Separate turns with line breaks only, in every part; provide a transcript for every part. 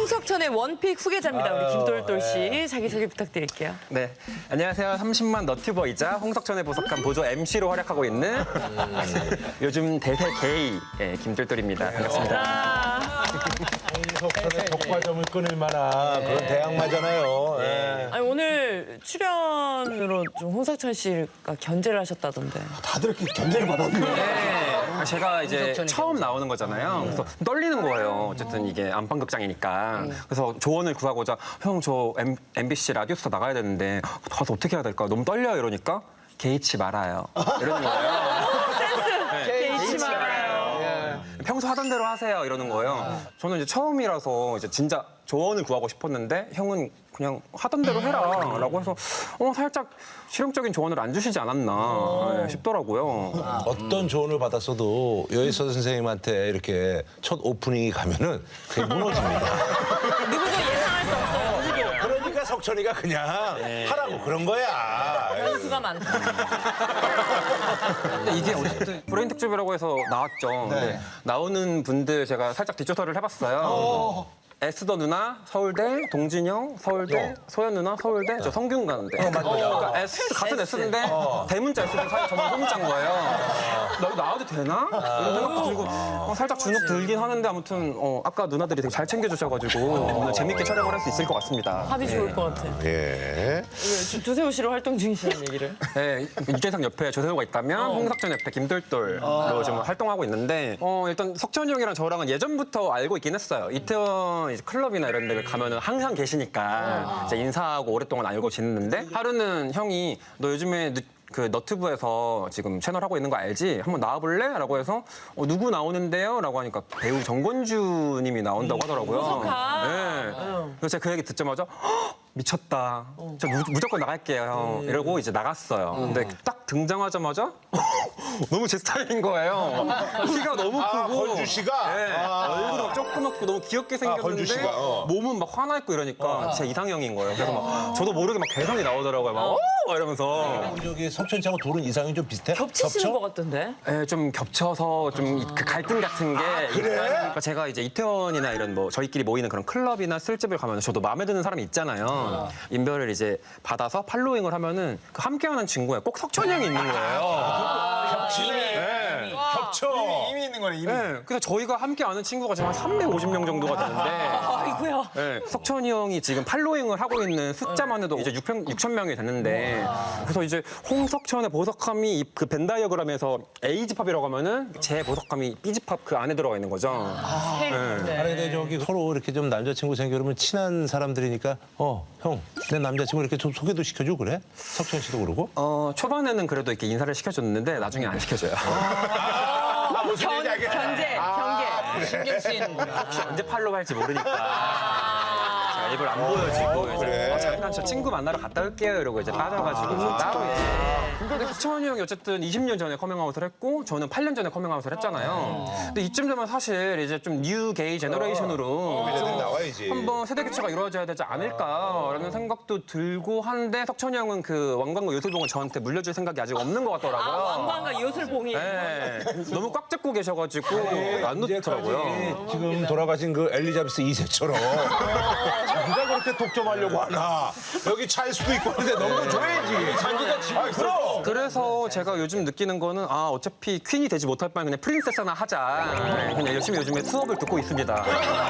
홍석천의 원픽 후계자입니다. 우리 김돌돌 씨 자기소개 부탁드릴게요.
네, 안녕하세요. 30만 너튜버이자 홍석천에 보석한 보조 MC로 활약하고 있는 요즘 대세 게이 김돌돌입니다. 반갑습니다.
홍석천의 독과점을 끊을 만한 그런 대항마잖아요. 예.
아니, 오늘 출연으로 좀 홍석천 씨가 견제를 하셨다던데.
다들 이렇게 견제를 받았네.
제가 이제 처음 나오는 거잖아요. 그래서 떨리는 거예요. 어쨌든 이게 안방극장이니까. 그래서 조언을 구하고자 형 저 MBC 라디오스타 나가야 되는데 가서 어떻게 해야 될까? 너무 떨려요 이러니까 개의치 말아요. 이러는 거예요.
개의치 말아요.
평소 하던 대로 하세요 이러는 거예요. 저는 이제 처음이라서 이제 진짜 조언을 구하고 싶었는데 형은 그냥 하던 대로 해라라고 해서 살짝 실용적인 조언을 안 주시지 않았나 싶더라고요.
어떤 조언을 받았어도 여의서 선생님한테 이렇게 첫 오프닝이 가면은 그게 무너집니다.
누구도 예상할 수 없어요. 누구도.
그러니까 석천이가 그냥 하라고 그런 거야.
변수가 많다.
근데 이게 어쨌든 브레인 특집이라고 해서 나왔죠. 근데 나오는 분들 제가 살짝 뒷조사를 해봤어요. 에스더 누나 서울대, 동진영 서울대, 소연 누나 서울대, 저 성균 가는데. 그러니까 같은 S인데 대문자 S인데 사실 저만 소문자인 거예요. 나 여기 나와도 되나? 이런 생각도 들고 살짝 주눅 들긴 하는데 아무튼 아까 누나들이 되게 잘 챙겨주셔가지고 오늘 재밌게 촬영을 할 수 있을 것 같습니다.
합이 좋을 것 같아.
예.
조세호 씨로 활동 중이시라는 얘기를.
네, 유재석 옆에 조세호가 있다면 홍석천 옆에 김돌돌로 지금 활동하고 있는데 일단 석천이 형이랑 저랑은 예전부터 알고 있긴 했어요. 이태원 이제 클럽이나 이런 데를 가면은 항상 계시니까 이제 인사하고 오랫동안 알고 지냈는데 하루는 형이 너 요즘에 그 너튜브에서 지금 채널 하고 있는 거 알지? 한번 나와볼래? 라고 해서 누구 나오는데요? 라고 하니까 배우 정건주 님이 나온다고 하더라고요. 네. 그래서 제가 그 얘기 듣자마자 미쳤다. 저 무조건 나갈게요, 형. 이러고 이제 나갔어요. 근데 딱 등장하자마자 너무 제 스타일인 거예요. 키가 너무 크고.
건주 씨가?
네. 얼굴이 막 조그맣고 너무 귀엽게
건주
생겼는데
씨가,
몸은 막 화나 있고 이러니까 제 이상형인 거예요. 그래서 막 저도 모르게 막 개성이 나오더라고요. 막 이러면서.
저기 석천 씨하고 둘은 이상이 좀 비슷해?
겹치시는 것 같던데.
네, 좀 겹쳐서 좀 그 갈등 같은 게
그래?
그러니까 제가 이제 이태원이나 이런 뭐 저희끼리 모이는 그런 클럽이나 술집을 가면 저도 마음에 드는 사람이 있잖아요. 인별을 이제 받아서 팔로잉을 하면은 그 함께하는 친구에 꼭 석천이 형이 있는 거예요.
겹치네. 겹쳐.
이미 있는 거네, 이미.
네, 그래서 저희가 함께 아는 친구가 지금 한 350명 정도가 되는데
아이고야.
네, 석천이 형이 지금 팔로잉을 하고 있는 숫자만 해도 이제 6천 명이 됐는데 그래서 이제 홍석천의 보석함이 그 벤다이어그램에서 A집합이라고 하면은 제 보석함이 B집합 그 안에 들어가 있는 거죠.
아니 근데 저기 서로 이렇게 좀 남자친구 생기면 친한 사람들이니까 형, 내 남자친구 이렇게 좀 소개도 시켜주고 그래? 석천 씨도 그러고?
초반에는 그래도 이렇게 인사를 시켜줬는데 나중에 안 시켜줘요.
무슨 얘기 알겠네.
경계.
신경 쓰이는구나.
혹시 언제 팔로우 할지 모르니까. 제가 일부러 안 보여주고 이제 잠깐 저 친구 만나러 갔다 올게요 이러고 이제 빠져가지고 따로 이제. 근데 석천이 형이 어쨌든 20년 전에 커밍아웃을 했고 저는 8년 전에 커밍아웃을 했잖아요. 근데 이쯤 되면 사실 이제 좀 뉴 게이 제너레이션으로
애들이 나와야지.
한번 세대 교체가 이루어져야 되지 않을까라는 생각도 들고 한데 석천이 형은 그 왕관과 요술봉을 저한테 물려줄 생각이 아직 없는 것 같더라고요.
왕관과 요술봉이.
네. 너무 꽉 잡고 계셔가지고 안 놓더라고요.
지금 돌아가신 그 엘리자베스 2세처럼 자기가 그렇게 독점하려고 하나. 여기 차일 수도 있고 근데 너무 줘야지. 자기가 지금 그럼.
그래서 제가 요즘 느끼는 거는 어차피 퀸이 되지 못할 바엔 그냥 프린세스 하나 하자. 네, 그냥 열심히 요즘에 수업을 듣고 있습니다.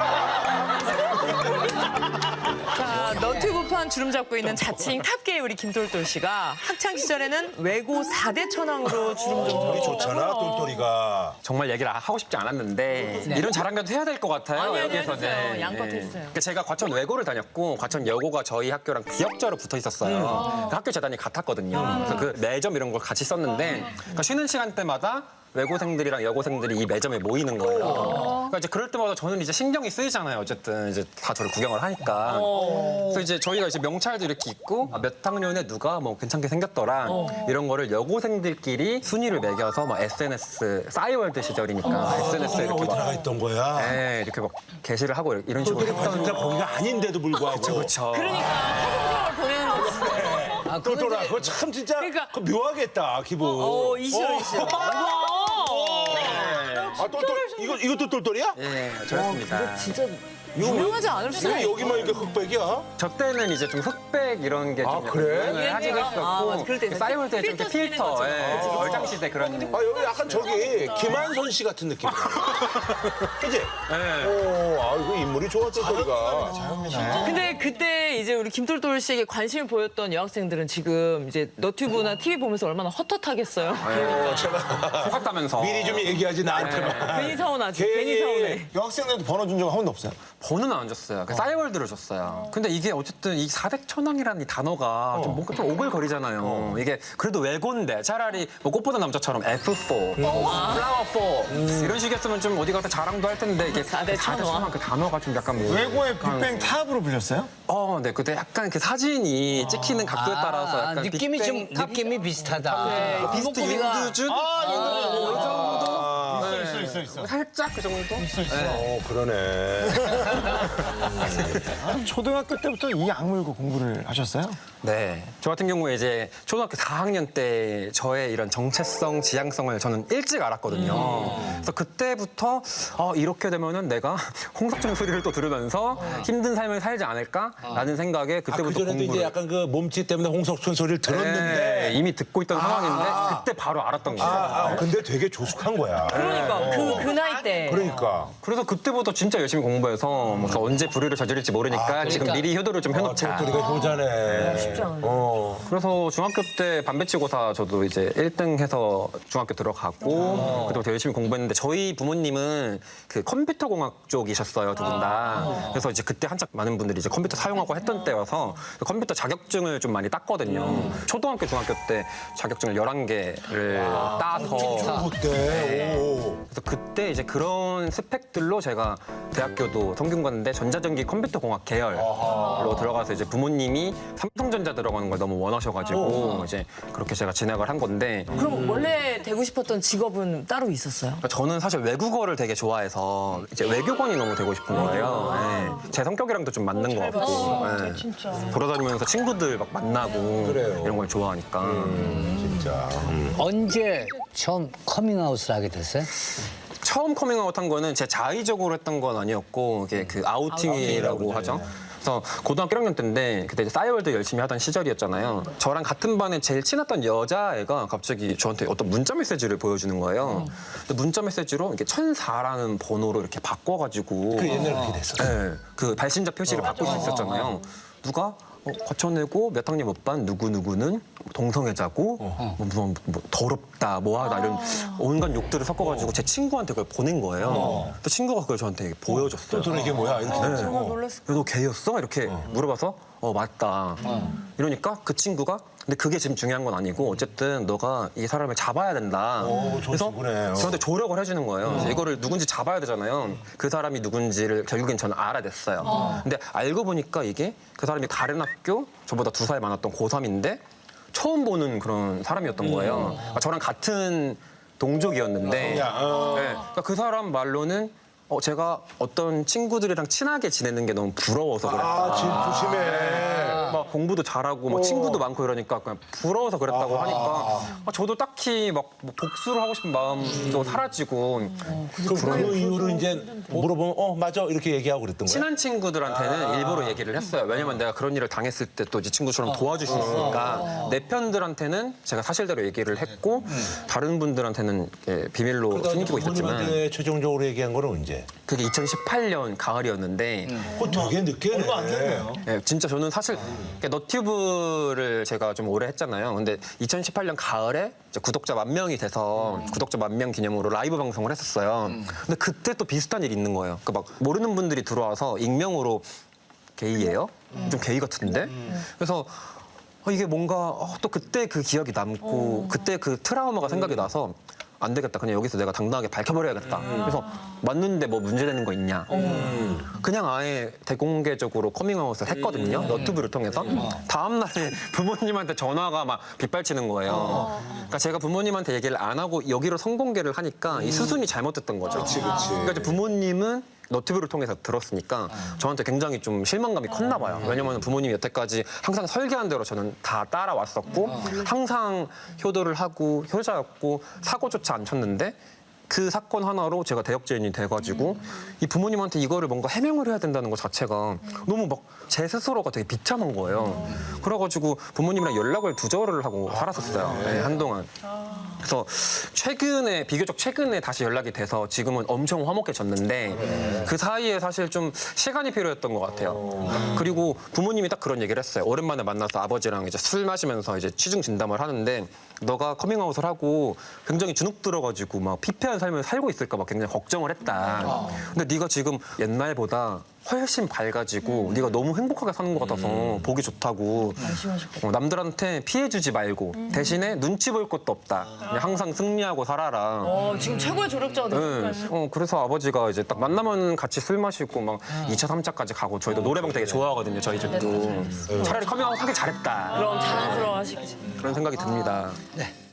자, 너튜브판 주름 잡고 있는 자칭 탑게이 우리 김돌돌 씨가 학창 시절에는 외고 4대 천왕으로 주름 좀
우리 좋잖아, 똘똘이가.
정말 얘기를 하고 싶지 않았는데 이런 자랑이라도 해야 될 것 같아요.
아니,
여기에서는.
해주세요. 양껏 해주세요.
그러니까 제가 과천 외고를 다녔고 과천 여고가 저희 학교랑 기역자로 붙어 있었어요. 그 학교 재단이 같았거든요. 그래서 그 매점 이런 걸 같이 썼는데 그러니까 쉬는 시간 때마다 외고생들이랑 여고생들이 이 매점에 모이는 거예요. 그러니까 이제 그럴 때마다 저는 이제 신경이 쓰이잖아요. 어쨌든 이제 다 저를 구경을 하니까. 그래서 이제 저희가 이제 명찰도 이렇게 있고 몇 학년에 누가 뭐 괜찮게 생겼더라 이런 거를 여고생들끼리 순위를 매겨서 막 SNS 싸이월드 시절이니까 SNS에 이렇게
어디
막
나가 있던 거야?
네, 이렇게 막 게시를 하고 이런 식으로
똘똘이 진짜 거기가 아닌데도 불구하고.
그렇죠.
그러니까 사생활 보내는 거지.
똘똘아, 그거 참 진짜
그러니까-
그거 묘하겠다, 기분.
이시여.
똘똘 이것도 똘똘이야?
예, 저였습니다.
진짜 유명하지 않을 수가
왜
없어.
여기만 이렇게 흑백이야?
저 때는 이제 좀 흑백 이런 게 좀
그래?
하기가
아, 맞아. 그럴 때
있었고 싸이월드 때좀
필터
필터,
쓰는
예, 얼짱 시대 그런.
아 여기 약간 저기 김한선 씨 같은 느낌. 그지? 오, 아 이거 인물이 좋아 똘똘이가.
근데 그때 이제 우리 김돌돌 씨에게 관심을 보였던 여학생들은 지금 이제 너튜브나 TV 보면서 얼마나 헛헛하겠어요.
똑같다면서.
미리 좀 얘기하지 나한테만.
괜히 서운하지. 괜히 서운해.
여학생들한테 번호 준 적 한 번도 없어요?
번호는 안 줬어요. 그 싸이월드를 줬어요. 근데 이게 어쨌든 이 사대천왕이라는 이 단어가 좀 뭔가 좀 오글거리잖아요. 이게 그래도 외고인데 차라리 뭐 꽃보다 남자처럼 F4, 플라워4 이런 식이었으면 좀 어디 가서 자랑도 할 텐데 이게 사대천왕 그 단어가 좀 약간 뭐.
외고의 빅뱅 탑으로 불렸어요?
네. 근데 약간 그 사진이 찍히는 각도에 따라서 약간
느낌이 좀
빅뱅 탑?
느낌이 비슷하다.
비스트
이목구비가-
윤두준?
있어.
살짝 그 정도?
그러네.
초등학교 때부터 이 악물고 공부를 하셨어요?
네. 저 같은 경우에 이제 초등학교 4학년 때 저의 이런 정체성, 지향성을 저는 일찍 알았거든요. 그래서 그때부터 이렇게 되면은 내가 홍석천 소리를 또 들으면서 힘든 삶을 살지 않을까라는 생각에 그때부터
그전에도
공부를.
이제 약간 그 몸짓 때문에 홍석천 소리를
네,
들었는데.
이미 듣고 있던 상황인데 그때 바로 알았던 거예요.
근데 되게 조숙한 거야.
그러니까 그 나이 때.
그러니까.
그래서 그때부터 진짜 열심히 공부해서 뭐 언제 불의를 저지를지 모르니까 지금 미리 효도를 좀 해놓자.
똘똘이가 효자네.
쉽지 않은데.
그래서 중학교 때 반배치고사 저도 이제 1등 해서 중학교 들어가고 그때부터 열심히 공부했는데 저희 부모님은 그 컴퓨터 공학 쪽이셨어요, 두 분 다. 그래서 이제 그때 한창 많은 분들이 이제 컴퓨터 사용하고 했던 때여서 컴퓨터 자격증을 좀 많이 땄거든요. 초등학교, 중학교 때 자격증을 11개를 따서
그때. 오.
그래서 그때 이제 그런 스펙들로 제가 대학교도 성균관대 전자전기 컴퓨터공학 계열로 들어가서 이제 부모님이 삼성전자 들어가는 걸 너무 원하셔가지고 이제 그렇게 제가 진학을 한 건데
그럼 원래 되고 싶었던 직업은 따로 있었어요?
저는 사실 외국어를 되게 좋아해서 이제 외교관이 너무 되고 싶은 거예요. 네. 제 성격이랑도 좀 맞는 것 같고 네. 돌아다니면서 친구들 막 만나고
그래요.
이런 걸 좋아하니까
진짜.
언제 처음 커밍아웃을 하게 됐어요?
처음 커밍아웃 한 거는 제 자의적으로 했던 건 아니었고 이게 그 아우팅이라고 하죠. 그래서 고등학교 1학년 때인데 그때 이제 싸이월드 열심히 하던 시절이었잖아요. 저랑 같은 반에 제일 친했던 여자애가 갑자기 저한테 어떤 문자 메시지를 보여주는 거예요. 근데 문자 메시지로 이렇게 1004라는 번호로 이렇게 바꿔가지고
그 옛날에 그렇게 됐었어.
네, 그 발신자 표시를 바꿀 수 있었잖아요. 누가 거쳐내고 몇 학년 몇 반 누구누구는 동성애자고 뭐 더럽다 뭐하다 이런 온갖 욕들을 섞어가지고 제 친구한테 그걸 보낸 거예요. 그 친구가 그걸 저한테 보여줬어요.
똘똘이 이게 뭐야? 이렇게 됐어.
정말 놀랐을
너 게이였어? 이렇게 물어봐서 맞다. 이러니까 그 친구가 근데 그게 지금 중요한 건 아니고 어쨌든 너가 이 사람을 잡아야 된다.
좋은
그래서
친구네.
저한테 조력을 해주는 거예요. 그래서 이거를 누군지 잡아야 되잖아요. 그 사람이 누군지를 결국엔 저는 알아냈어요. 근데 알고 보니까 이게 그 사람이 다른 학교 저보다 2살 많았던 고3인데 처음 보는 그런 사람이었던 거예요. 그러니까 저랑 같은 동족이었는데 네. 그러니까 그 사람 말로는 제가 어떤 친구들이랑 친하게 지내는 게 너무 부러워서 그랬다.
조심해.
막 공부도 잘하고 막 친구도 많고 이러니까 그냥 부러워서 그랬다고 하니까 저도 딱히 막뭐 복수를 하고 싶은 마음도 사라지고
그 이후로 이제 물어보면 맞아 이렇게 얘기하고 그랬던 거야.
친한 친구들한테는 일부러 얘기를 했어요. 왜냐면 내가 그런 일을 당했을 때 또 이 친구처럼 도와줄 수 있으니까 내 편들한테는 제가 사실대로 얘기를 했고 다른 분들한테는 이렇게 비밀로 숨기고 있었지만
부모님한테 최종적으로 얘기한 거는 언제?
그게 2018년 가을이었는데
그거 되게 늦게 얼마 안 됐네요.
네, 진짜 저는 사실 너튜브를 제가 좀 오래 했잖아요. 근데 2018년 가을에 이제 구독자 10,000명이 돼서 구독자 10,000명 기념으로 라이브 방송을 했었어요. 근데 그때 또 비슷한 일이 있는 거예요. 그 막 모르는 분들이 들어와서 익명으로 게이예요? 좀 게이 같은데? 그래서 이게 뭔가 또 그때 그 기억이 남고 그때 그 트라우마가 생각이 나서 안 되겠다. 그냥 여기서 내가 당당하게 밝혀버려야겠다. 그래서 맞는데 뭐 문제되는 거 있냐. 그냥 아예 대공개적으로 커밍아웃을 했거든요. 너튜브를 통해서. 다음 날에 부모님한테 전화가 막 빗발치는 거예요. 그러니까 제가 부모님한테 얘기를 안 하고 여기로 성공개를 하니까 이 수순이 잘못됐던 거죠. 그러니까 이제 부모님은 너튜브를 통해서 들었으니까 저한테 굉장히 좀 실망감이 컸나 봐요. 왜냐면 부모님이 여태까지 항상 설계한 대로 저는 다 따라왔었고 항상 효도를 하고 효자였고 사고조차 안 쳤는데 그 사건 하나로 제가 대역죄인이 돼가지고 이 부모님한테 이거를 뭔가 해명을 해야 된다는 것 자체가 너무 막 제 스스로가 되게 비참한 거예요. 그래가지고 부모님이랑 연락을 두절을 하고 살았었어요. 네, 한동안. 그래서 비교적 최근에 다시 연락이 돼서 지금은 엄청 화목해졌는데 그 사이에 사실 좀 시간이 필요했던 것 같아요. 그리고 부모님이 딱 그런 얘기를 했어요. 오랜만에 만나서 아버지랑 이제 술 마시면서 이제 취중 진담을 하는데 너가 커밍아웃을 하고 굉장히 주눅 들어가지고 막 피폐한 삶을 살고 있을까 봐 굉장히 걱정을 했다. 근데 네가 지금 옛날보다 훨씬 밝아지고 네가 너무 행복하게 사는 것 같아서 보기 좋다고. 남들한테 피해주지 말고 대신에 눈치 볼 것도 없다. 그냥 항상 승리하고 살아라.
지금 최고의 조력자가
네.
되셨어요.
그래서 아버지가 이제 딱 만나면 같이 술 마시고 막 2차, 3차까지 가고 저희도 노래방 되게 좋아하거든요, 저희 집도. 차라리 커밍아웃 하길 잘했다.
그럼 자랑스러워 하시겠지.
그런 생각이 듭니다.
네.